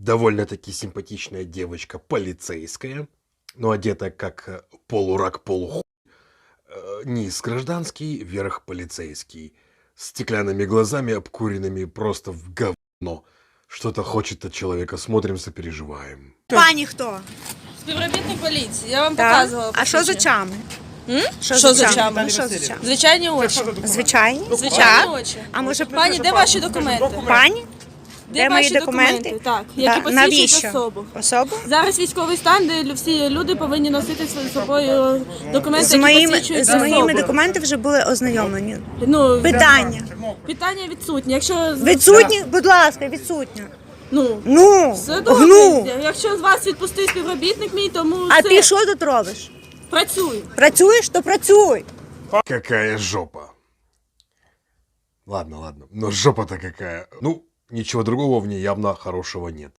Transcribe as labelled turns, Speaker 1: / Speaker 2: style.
Speaker 1: довольно-таки симпатичная девочка, полицейская, но одета как полурак, полухуй. Низ гражданский, верх полицейский. С стеклянными глазами, обкуренными просто в говно. Что-то хочет от человека. Смотрим, сопереживаем.
Speaker 2: Пані хто?
Speaker 3: Співробітник поліції, я вам
Speaker 2: Так?
Speaker 3: показувала.
Speaker 2: А що з
Speaker 3: посвідчення.
Speaker 2: очами?
Speaker 3: Що з очами?
Speaker 2: Ну, що з очами?
Speaker 3: Звичайні очі.
Speaker 2: Звичайні?
Speaker 3: Звичайні
Speaker 2: Так.
Speaker 3: очі.
Speaker 2: А може
Speaker 3: Пані, де ваші документи?
Speaker 2: Пані?
Speaker 3: Де
Speaker 2: мої
Speaker 3: ваші
Speaker 2: документи?
Speaker 3: Так, які
Speaker 2: Да.
Speaker 3: посвідчують
Speaker 2: Навіщо?
Speaker 3: особу.
Speaker 2: Особу?
Speaker 3: Зараз військовий стан, де всі люди повинні носити з собою документи,
Speaker 2: З
Speaker 3: які
Speaker 2: моїми,
Speaker 3: посвідчують
Speaker 2: з моїми
Speaker 3: особу.
Speaker 2: документами вже були ознайомлені.
Speaker 3: Ну,
Speaker 2: Питання.
Speaker 3: питання відсутні. Якщо
Speaker 2: Відсутні? Будь ласка, відсутні.
Speaker 3: ну,
Speaker 2: Ну,
Speaker 3: все добре.
Speaker 2: гну.
Speaker 3: Якщо з вас відпустив співробітник мій, тому
Speaker 2: А
Speaker 3: все,
Speaker 2: ти що тут робиш?
Speaker 3: працюю.
Speaker 2: Працюєш, то працюй.
Speaker 1: Какая жопа. Ладно, но жопа-то какая. Ну, ничего другого в ней явно хорошего нет.